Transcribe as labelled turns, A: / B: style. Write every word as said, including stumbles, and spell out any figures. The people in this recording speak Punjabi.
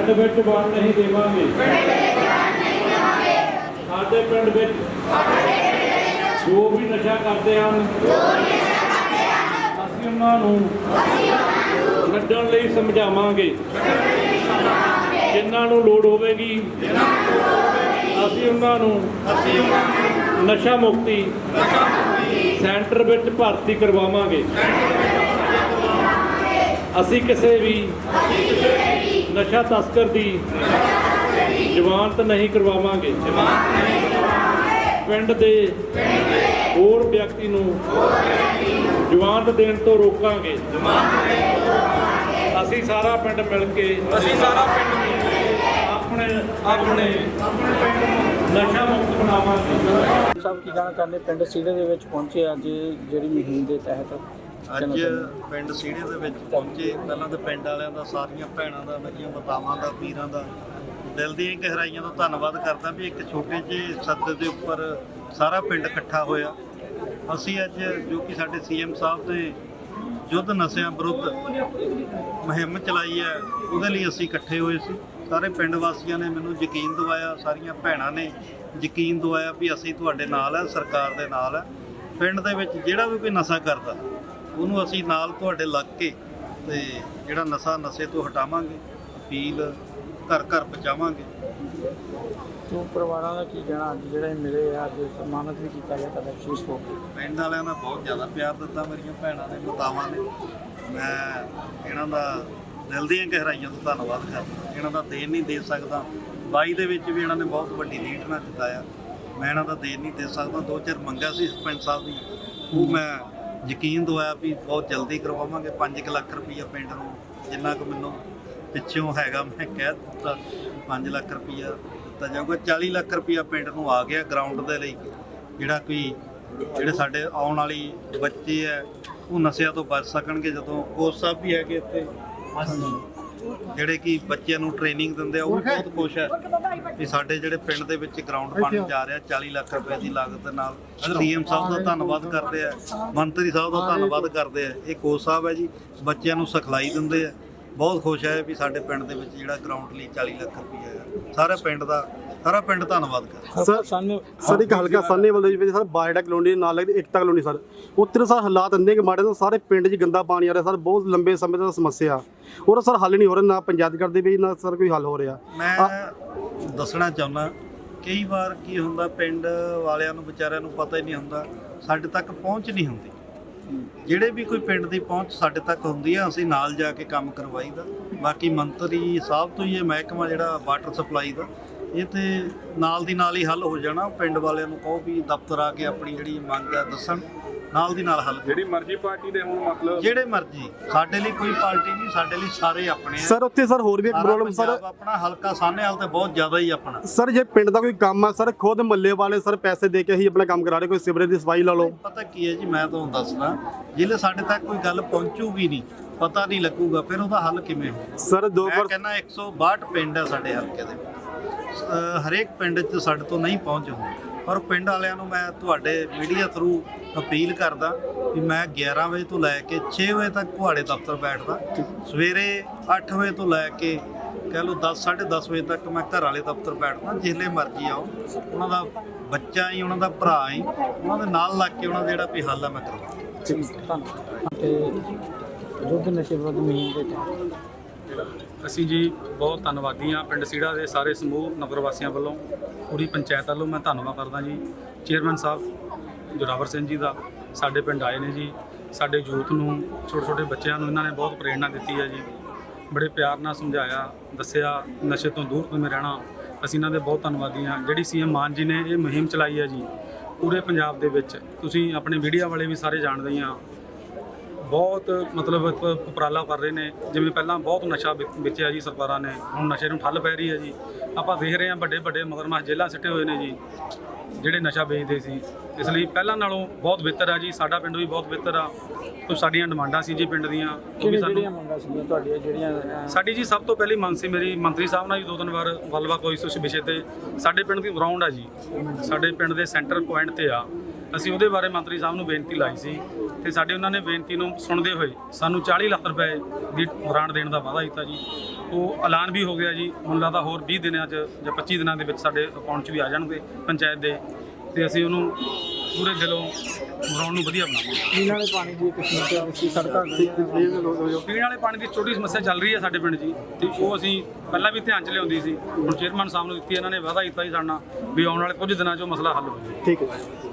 A: ਪਿੰਡ ਵਿੱਚ ਵੜ ਨਹੀਂ ਦੇਵਾਂਗੇ। ਸਾਡੇ ਪਿੰਡ ਵਿੱਚ ਜੋ ਵੀ ਨਸ਼ਾ ਕਰਦੇ ਹਨ ਅਸੀਂ ਉਹਨਾਂ ਨੂੰ ਛੱਡਣ ਲਈ ਸਮਝਾਵਾਂਗੇ। ਜਿਨ੍ਹਾਂ ਨੂੰ ਲੋੜ ਹੋਵੇਗੀ ਅਸੀਂ ਉਹਨਾਂ ਨੂੰ ਨਸ਼ਾ ਮੁਕਤੀ ਸੈਂਟਰ ਵਿੱਚ ਭਰਤੀ ਕਰਵਾਵਾਂਗੇ। ਅਸੀਂ ਕਿਸੇ ਵੀ ਨਸ਼ਾ ਤਸਕਰ ਦੀ ਜ਼ਮਾਨਤ ਨਹੀਂ ਕਰਵਾਵਾਂਗੇ। ਪਿੰਡ ਦੇ ਹੋਰ ਵਿਅਕਤੀ ਨੂੰ ਜ਼ਮਾਨਤ ਦੇਣ ਤੋਂ ਰੋਕਾਂਗੇ। ਅਸੀਂ ਸਾਰਾ ਪਿੰਡ ਮਿਲ ਕੇ
B: ਅਸੀਂ ਸਾਰਾ ਪਿੰਡ ਮਿਲ ਕੇ
A: ਆਪਣੇ
B: ਆਪਣੇ
A: ਆਪਣੇ ਪਿੰਡ ਨੂੰ ਨਸ਼ਾ ਮੁਕਤ ਬਣਾਵਾਂਗੇ।
C: ਸਭ ਕੀ ਕਹਿਣਾ ਚਾਹੁੰਦੇ ਪਿੰਡ ਸੀੜੇ ਦੇ ਵਿੱਚ ਪਹੁੰਚੇ ਅੱਜ ਜਿਹੜੀ ਮੁਹਿੰਮ ਦੇ ਤਹਿਤ?
D: ਅੱਜ ਪਿੰਡ ਸੀੜੇ ਦੇ ਵਿੱਚ ਪਹੁੰਚੇ। ਪਹਿਲਾਂ ਤਾਂ ਪਿੰਡ ਵਾਲਿਆਂ ਦਾ, ਸਾਰੀਆਂ ਭੈਣਾਂ ਦਾ, ਮੇਰੀਆਂ ਮਾਤਾਵਾਂ ਦਾ, ਵੀਰਾਂ ਦਾ ਦਿਲ ਦੀਆਂ ਗਹਿਰਾਈਆਂ ਤੋਂ ਧੰਨਵਾਦ ਕਰਦਾ ਵੀ ਇੱਕ ਛੋਟੇ ਜਿਹੇ ਸੱਦੇ ਦੇ ਉੱਪਰ ਸਾਰਾ ਪਿੰਡ ਇਕੱਠਾ ਹੋਇਆ। ਅਸੀਂ ਅੱਜ ਜੋ ਕਿ ਸਾਡੇ ਸੀ ਐਮ ਸਾਹਿਬ ਨੇ ਯੁੱਧ ਨਸ਼ਿਆਂ ਵਿਰੁੱਧ ਮੁਹਿੰਮ ਚਲਾਈ ਹੈ, ਉਹਦੇ ਲਈ ਅਸੀਂ ਇਕੱਠੇ ਹੋਏ ਸੀ। ਸਾਰੇ ਪਿੰਡ ਵਾਸੀਆਂ ਨੇ ਮੈਨੂੰ ਯਕੀਨ ਦਿਵਾਇਆ, ਸਾਰੀਆਂ ਭੈਣਾਂ ਨੇ ਯਕੀਨ ਦਿਵਾਇਆ ਵੀ ਅਸੀਂ ਤੁਹਾਡੇ ਨਾਲ ਹੈ, ਸਰਕਾਰ ਦੇ ਨਾਲ ਹੈ। ਪਿੰਡ ਦੇ ਵਿੱਚ ਜਿਹੜਾ ਵੀ ਕੋਈ ਨਸ਼ਾ ਕਰਦਾ ਉਹਨੂੰ ਅਸੀਂ ਨਾਲ ਤੁਹਾਡੇ ਲੱਗ ਕੇ ਤੇ ਜਿਹੜਾ ਨਸ਼ਾ ਨਸ਼ੇ ਤੋਂ ਹਟਾਵਾਂਗੇ, ਅਪੀਲ ਘਰ ਘਰ ਪਹੁੰਚਾਵਾਂਗੇ।
C: ਜੋ ਪਰਿਵਾਰਾਂ ਦਾ ਕੀ ਕਹਿਣਾ ਅੱਜ ਜਿਹੜੇ ਮਿਲੇ ਆ, ਅੱਜ ਸਨਮਾਨਿਤ ਵੀ ਕੀਤਾ ਗਿਆ ਤੁਹਾਡਾ ਵਿਸ਼ੇਸ਼ ਤੌਰ ਤੇ?
D: ਪਿੰਡ ਵਾਲਿਆਂ ਨੇ ਬਹੁਤ ਜ਼ਿਆਦਾ ਪਿਆਰ ਦਿੱਤਾ, ਮੇਰੀਆਂ ਭੈਣਾਂ ਨੇ, ਮਾਤਾਵਾਂ ਨੇ। ਮੈਂ ਇਹਨਾਂ ਦਾ ਦਿਲ ਦੀਆਂ ਗਹਿਰਾਈਆਂ ਤੋਂ ਧੰਨਵਾਦ ਕਰਦਾ। ਇਹਨਾਂ ਦਾ ਦੇਣ ਨਹੀਂ ਦੇ ਸਕਦਾ। ਬਾਈ ਦੇ ਵਿੱਚ ਵੀ ਇਹਨਾਂ ਨੇ ਬਹੁਤ ਵੱਡੀ ਲੀਡ ਨਾਲ ਜਿਤਾਇਆ। ਮੈਂ ਇਹਨਾਂ ਦਾ ਦੇਣ ਨਹੀਂ ਦੇ ਸਕਦਾ। ਦੋ ਚਾਰ ਮੰਗਾਂ ਸੀ ਸਰਪੰਚ ਸਾਹਿਬ ਦੀ, ਉਹ ਮੈਂ ਯਕੀਨ ਦਵਾਇਆ ਵੀ ਬਹੁਤ ਜਲਦੀ ਕਰਵਾਵਾਂਗੇ। ਪੰਜ ਕੁ ਲੱਖ ਰੁਪਈਆ ਪਿੰਡ ਨੂੰ ਜਿੰਨਾ ਕੁ ਮੈਨੂੰ ਪਿੱਛੋਂ ਹੈਗਾ ਮੈਂ ਕਹਿ ਦਿੱਤਾ ਪੰਜ ਲੱਖ ਰੁਪਈਆ ਦਿੱਤਾ ਜਾਊਗਾ। ਚਾਲੀ ਲੱਖ ਰੁਪਈਆ ਪਿੰਡ ਨੂੰ ਆ ਗਿਆ ਗਰਾਊਂਡ ਦੇ ਲਈ, ਜਿਹੜਾ ਕੋਈ ਜਿਹੜੇ ਸਾਡੇ ਆਉਣ ਵਾਲੀ ਬੱਚੇ ਹੈ ਉਹ ਨਸ਼ਿਆਂ ਤੋਂ ਬਚ ਸਕਣਗੇ। ਜਦੋਂ ਕੋਚ ਸਾਹਿਬ ਵੀ ਹੈਗੇ ਇੱਥੇ ਜਿਹੜੇ ਕਿ ਬੱਚਿਆਂ ਨੂੰ ਟ੍ਰੇਨਿੰਗ ਦਿੰਦੇ ਆ, ਉਹ ਵੀ ਬਹੁਤ ਖੁਸ਼ ਹੈ ਕਿ ਸਾਡੇ ਜਿਹੜੇ ਪਿੰਡ ਦੇ ਵਿੱਚ ਗਰਾਊਂਡ ਬਣਨ ਜਾ ਰਿਹਾ ਚਾਲੀ ਲੱਖ ਰੁਪਏ ਦੀ ਲਾਗਤ ਦੇ ਨਾਲ। ਸੀ ਐਮ ਸਾਹਿਬ ਦਾ ਧੰਨਵਾਦ ਕਰਦੇ ਆ, ਮੰਤਰੀ ਸਾਹਿਬ ਦਾ ਧੰਨਵਾਦ ਕਰਦੇ ਆ। ਇਹ ਕੋਚ ਸਾਹਿਬ ਹੈ ਜੀ, ਬੱਚਿਆਂ ਨੂੰ ਸਿਖਲਾਈ ਦਿੰਦੇ ਆ। ਬਹੁਤ ਖੁਸ਼ ਹੈ ਵੀ ਸਾਡੇ ਪਿੰਡ ਦੇ ਵਿੱਚ ਜਿਹੜਾ ਗਰਾਊਂਡ ਲਈ ਚਾਲੀ ਲੱਖ ਰੁਪਏ ਹੈ। ਸਾਰੇ ਪਿੰਡ ਦਾ ਸਾਰਾ ਪਿੰਡ ਧੰਨਵਾਦ ਕਰਦਾ।
E: ਸਰ ਸਾਨੂੰ ਸਰ ਇੱਕ ਹਲਕਾ ਸਾਹਨੇਵਾਲ ਦੇ ਵਿੱਚ ਸਰ ਬਾਇਡਾ ਕਲੋਨੀ ਨਾਲ ਲੱਗਦੀ ਏਕਤਾ ਕਲੋਨੀ ਸਰ, ਉੱਥੇ ਸਰ ਹਾਲਾਤ ਇੰਨੇ ਕਿ ਮਾੜੇ ਨੇ, ਸਾਰੇ ਪਿੰਡ 'ਚ ਗੰਦਾ ਪਾਣੀ ਆ ਰਿਹਾ ਸਰ, ਬਹੁਤ ਲੰਬੇ ਸਮੇਂ ਤੋਂ ਸਮੱਸਿਆ ਔਰ ਸਰ ਹੱਲ ਨਹੀਂ ਹੋ ਰਿਹਾ, ਨਾ ਪੰਚਾਇਤ ਕਰਦੇ ਵੀ ਨਾ ਸਰ ਕੋਈ ਹੱਲ ਹੋ ਰਿਹਾ।
D: ਮੈਂ ਦੱਸਣਾ ਚਾਹੁੰਦਾ ਕਈ ਵਾਰ ਕੀ ਹੁੰਦਾ, ਪਿੰਡ ਵਾਲਿਆਂ ਨੂੰ ਵਿਚਾਰਿਆਂ ਨੂੰ ਪਤਾ ਹੀ ਨਹੀਂ ਹੁੰਦਾ, ਸਾਡੇ ਤੱਕ ਪਹੁੰਚ ਨਹੀਂ ਹੁੰਦੀ। ਜਿਹੜੇ ਵੀ ਕੋਈ ਪਿੰਡ ਦੀ ਪਹੁੰਚ ਸਾਡੇ ਤੱਕ ਹੁੰਦੀ ਆ, ਅਸੀਂ ਨਾਲ ਜਾ ਕੇ ਕੰਮ ਕਰਵਾਈਦਾ। ਬਾਕੀ ਮੰਤਰੀ ਸਾਹਿਬ ਤੋਂ ਹੀ ਇਹ ਮਹਿਕਮਾ ਜਿਹੜਾ ਵਾਟਰ ਸਪਲਾਈ ਦਾ, ਇਹ ਤੇ ਨਾਲ ਦੀ ਨਾਲ ਹੀ ਹੱਲ ਹੋ ਜਾਣਾ। ਪਿੰਡ ਵਾਲਿਆਂ ਨੂੰ ਕਹੋ ਵੀ ਦਫ਼ਤਰ ਆ ਕੇ ਆਪਣੀ ਜਿਹੜੀ ਮੰਗ ਹੈ ਦੱਸਣ, ਨਾਲ ਦੀ ਨਾਲ ਹੱਲ।
B: ਜਿਹੜੀ ਮਰਜ਼ੀ ਪਾਰਟੀ ਦੇ ਹੁਣ ਮਤਲਬ
D: ਜਿਹੜੇ ਮਰਜ਼ੀ, ਸਾਡੇ ਲਈ ਕੋਈ ਪਾਰਟੀ ਨਹੀਂ, ਸਾਡੇ ਲਈ ਸਾਰੇ ਆਪਣੇ ਆ
E: ਸਰ। ਉੱਥੇ ਸਰ ਹੋਰ ਵੀ ਇੱਕ ਪ੍ਰੋਬਲਮ ਸਰ,
D: ਆਪਣਾ ਹਲਕਾ ਸਾਹਨੇਵਾਲ ਤੇ ਬਹੁਤ ਜ਼ਿਆਦਾ ਹੀ ਆਪਣਾ।
E: ਸਰ ਜੇ ਪਿੰਡ ਦਾ ਕੋਈ ਕੰਮ ਆ ਸਰ, ਖੁਦ ਮੱਲੇ ਵਾਲੇ ਸਰ ਪੈਸੇ ਦੇ ਕੇ ਹੀ ਆਪਣਾ ਕੰਮ ਕਰਾ ਰਹੇ, ਕੋਈ ਸਿਵਰੇਜ ਦੀ ਸਫਾਈ ਲਾ ਲਓ।
D: ਪਤਾ ਕੀ ਹੈ ਜੀ, ਮੈਂ ਤੁਹਾਨੂੰ ਦੱਸਦਾ, ਜਿਹੜੇ ਸਾਡੇ ਤੱਕ ਕੋਈ ਗੱਲ ਪਹੁੰਚੂਗੀ ਨਹੀਂ, ਪਤਾ ਨਹੀਂ ਲੱਗੂਗਾ, ਫਿਰ ਉਹਦਾ ਹੱਲ ਕਿਵੇਂ ਹੋਊ?
E: ਸਰ ਦੋ
D: ਮੈਂ ਕਹਿੰਦਾ ਇੱਕ ਸੌ ਬਾਹਠ ਪਿੰਡ ਹੈ ਸਾਡੇ ਹਲਕੇ ਦੇ ਵਿੱਚ, ਹਰੇਕ ਪਿੰਡ 'ਚ ਸਾਡੇ ਤੋਂ ਨਹੀਂ ਪਹੁੰਚ ਹੁੰਦੀ। ਪਰ ਪਿੰਡ ਵਾਲਿਆਂ ਨੂੰ ਮੈਂ ਤੁਹਾਡੇ ਮੀਡੀਆ ਥਰੂ ਅਪੀਲ ਕਰਦਾ ਵੀ ਮੈਂ ਗਿਆਰਾਂ ਵਜੇ ਤੋਂ ਲੈ ਕੇ ਛੇ ਵਜੇ ਤੱਕ ਤੁਹਾਡੇ ਦਫ਼ਤਰ ਬੈਠਦਾ। ਸਵੇਰੇ ਅੱਠ ਵਜੇ ਤੋਂ ਲੈ ਕੇ ਕਹਿ ਲਓ ਦਸ ਸਾਢੇ ਦਸ ਵਜੇ ਤੱਕ ਮੈਂ ਘਰ ਵਾਲੇ ਦਫ਼ਤਰ ਬੈਠਦਾ। ਜਿਸਲੇ ਮਰਜ਼ੀ ਆਓ, ਉਹਨਾਂ ਦਾ ਬੱਚਾ ਹੀ, ਉਹਨਾਂ ਦਾ ਭਰਾ ਹੀ, ਉਹਨਾਂ ਦੇ ਨਾਲ ਲੱਗ ਕੇ ਉਹਨਾਂ ਦਾ ਜਿਹੜਾ ਵੀ ਹੱਲ ਹੈ ਮੈਂ ਕਰਵਾਉਂਦਾ।
C: ਤੇ ਯੁੱਧ ਨਸ਼ੇ ਵਿਰੁੱਧ ਮੁਹਿੰਮ ਦੇ ਤਹਿਤ
B: ਅਸੀਂ ਜੀ ਬਹੁਤ ਧੰਨਵਾਦੀ ਹਾਂ ਪਿੰਡ ਸੀੜਾ ਦੇ ਸਾਰੇ ਸਮੂਹ ਨਗਰ ਵਾਸੀਆਂ ਵੱਲੋਂ, ਪੂਰੀ ਪੰਚਾਇਤ ਵੱਲੋਂ ਮੈਂ ਧੰਨਵਾਦ ਕਰਦਾ ਜੀ। ਚੇਅਰਮੈਨ ਸਾਹਿਬ ਜੋਰਾਵਰ ਸਿੰਘ ਜੀ ਦਾ ਸਾਡੇ ਪਿੰਡ ਆਏ ਨੇ ਜੀ। ਸਾਡੇ ਯੂਥ ਨੂੰ, ਛੋਟੇ ਛੋਟੇ ਬੱਚਿਆਂ ਨੂੰ ਇਹਨਾਂ ਨੇ ਬਹੁਤ ਪ੍ਰੇਰਣਾ ਦਿੱਤੀ ਹੈ ਜੀ। ਬੜੇ ਪਿਆਰ ਨਾਲ ਸਮਝਾਇਆ, ਦੱਸਿਆ ਨਸ਼ੇ ਤੋਂ ਦੂਰ ਕਿਵੇਂ ਰਹਿਣਾ। ਅਸੀਂ ਇਹਨਾਂ ਦੇ ਬਹੁਤ ਧੰਨਵਾਦੀ ਹਾਂ। ਜਿਹੜੀ ਸੀ ਐਮ ਮਾਨ ਜੀ ਨੇ ਇਹ ਮੁਹਿੰਮ ਚਲਾਈ ਹੈ ਜੀ ਪੂਰੇ ਪੰਜਾਬ ਦੇ ਵਿੱਚ, ਤੁਸੀਂ ਆਪਣੇ ਮੀਡੀਆ ਵਾਲੇ ਵੀ ਸਾਰੇ ਜਾਣਦੇ ਹਾਂ, ਬਹੁਤ ਮਤਲਬ ਉਪਰਾਲਾ ਕਰ ਰਹੇ ਨੇ। ਜਿਵੇਂ ਪਹਿਲਾਂ ਬਹੁਤ ਨਸ਼ਾ ਵੇਚਿਆ ਜੀ ਸਰਕਾਰਾਂ ਨੇ, ਹੁਣ ਨਸ਼ੇ ਨੂੰ ਠੱਲ ਪੈ ਰਹੀ ਹੈ ਜੀ। ਆਪਾਂ ਦੇਖ ਰਹੇ ਹਾਂ ਵੱਡੇ ਵੱਡੇ ਮਗਰਮੱਛ ਜੇਲ੍ਹਾਂ ਸਿੱਟੇ ਹੋਏ ਨੇ ਜੀ ਜਿਹੜੇ ਨਸ਼ਾ ਵੇਚਦੇ ਸੀ। ਇਸ ਲਈ ਪਹਿਲਾਂ ਨਾਲੋਂ ਬਹੁਤ ਬਿਹਤਰ ਆ ਜੀ। ਸਾਡਾ ਪਿੰਡ ਵੀ ਬਹੁਤ ਬਿਹਤਰ ਆ। ਕੁਝ ਸਾਡੀਆਂ ਡਿਮਾਂਡਾਂ ਸੀ ਜੀ ਪਿੰਡ ਦੀਆਂ, ਉਹ ਵੀ ਸਾਨੂੰ
C: ਮੰਗਾਂ ਸੀਗੀਆਂ ਤੁਹਾਡੀਆਂ ਜਿਹੜੀਆਂ?
B: ਸਾਡੀ ਜੀ ਸਭ ਤੋਂ ਪਹਿਲੀ ਮੰਗ ਸੀ ਮੇਰੀ, ਮੰਤਰੀ ਸਾਹਿਬ ਨਾਲ ਵੀ ਦੋ ਤਿੰਨ ਵਾਰ ਗੱਲਬਾਤ ਹੋਈ ਸੀ ਉਸ ਵਿਸ਼ੇ ਤੇ। ਸਾਡੇ ਪਿੰਡ ਦੀ ਗਰਾਊਂਡ ਆ ਜੀ, ਸਾਡੇ ਪਿੰਡ ਦੇ ਸੈਂਟਰ ਪੁਆਇੰਟ ਤੇ ਆ। ਅਸੀਂ ਉਹਦੇ ਬਾਰੇ ਮੰਤਰੀ ਸਾਹਿਬ ਨੂੰ ਬੇਨਤੀ ਲਾਈ ਸੀ ਤੇ ਸਾਡੇ ਉਹਨਾਂ ਨੇ ਬੇਨਤੀ ਨੂੰ ਸੁਣਦੇ ਹੋਏ ਸਾਨੂੰ ਚਾਲੀ ਲੱਖ ਰੁਪਏ ਦੀ ਗ੍ਰਾਂਟ ਦੇਣ ਦਾ ਵਾਅਦਾ ਕੀਤਾ ਜੀ। ਉਹ ਐਲਾਨ ਵੀ ਹੋ ਗਿਆ ਜੀ। ਮੈਨੂੰ ਲੱਗਦਾ ਹੋਰ ਵੀਹ ਦਿਨਾਂ 'ਚ ਜਾਂ ਪੱਚੀ ਦਿਨਾਂ ਦੇ ਵਿੱਚ ਸਾਡੇ ਅਕਾਊਂਟ 'ਚ ਵੀ ਆ ਜਾਣਗੇ ਪੰਚਾਇਤ ਦੇ, ਤੇ ਅਸੀਂ ਉਹਨੂੰ ਪੂਰੇ ਦਿਲੋਂ ਗਰਾਊਂਡ ਨੂੰ ਵਧੀਆ ਬਣਾਵਾਂਗੇ।
C: ਪੀਣ ਵਾਲੇ ਪਾਣੀ ਦੀ ਇੱਕ ਸਮੱਸਿਆ ਸੀ, ਸੜਕਾਂ ਗਲੀਆਂ
B: ਪੀਣ ਵਾਲੇ ਪਾਣੀ ਦੀ ਛੋਟੀ ਸਮੱਸਿਆ ਚੱਲ ਰਹੀ ਹੈ ਸਾਡੇ ਪਿੰਡ 'ਚ ਜੀ, ਤੇ ਉਹ ਅਸੀਂ ਪਹਿਲਾਂ ਵੀ ਧਿਆਨ 'ਚ ਲਿਆਉਂਦੀ ਸੀ। ਹੁਣ ਚੇਅਰਮੈਨ ਸਾਹਿਬ ਨੂੰ ਦਿੱਤੀ, ਇਹਨਾਂ ਨੇ ਵਾਅਦਾ ਕੀਤਾ ਜੀ ਸਾਡੇ ਨਾਲ ਵੀ ਆਉਣ ਵਾਲੇ ਕੁਝ ਦਿਨਾਂ 'ਚ ਉਹ ਮਸਲਾ ਹੱਲ ਹੋ ਜਾਵੇ।
E: ਠੀਕ ਹੈ।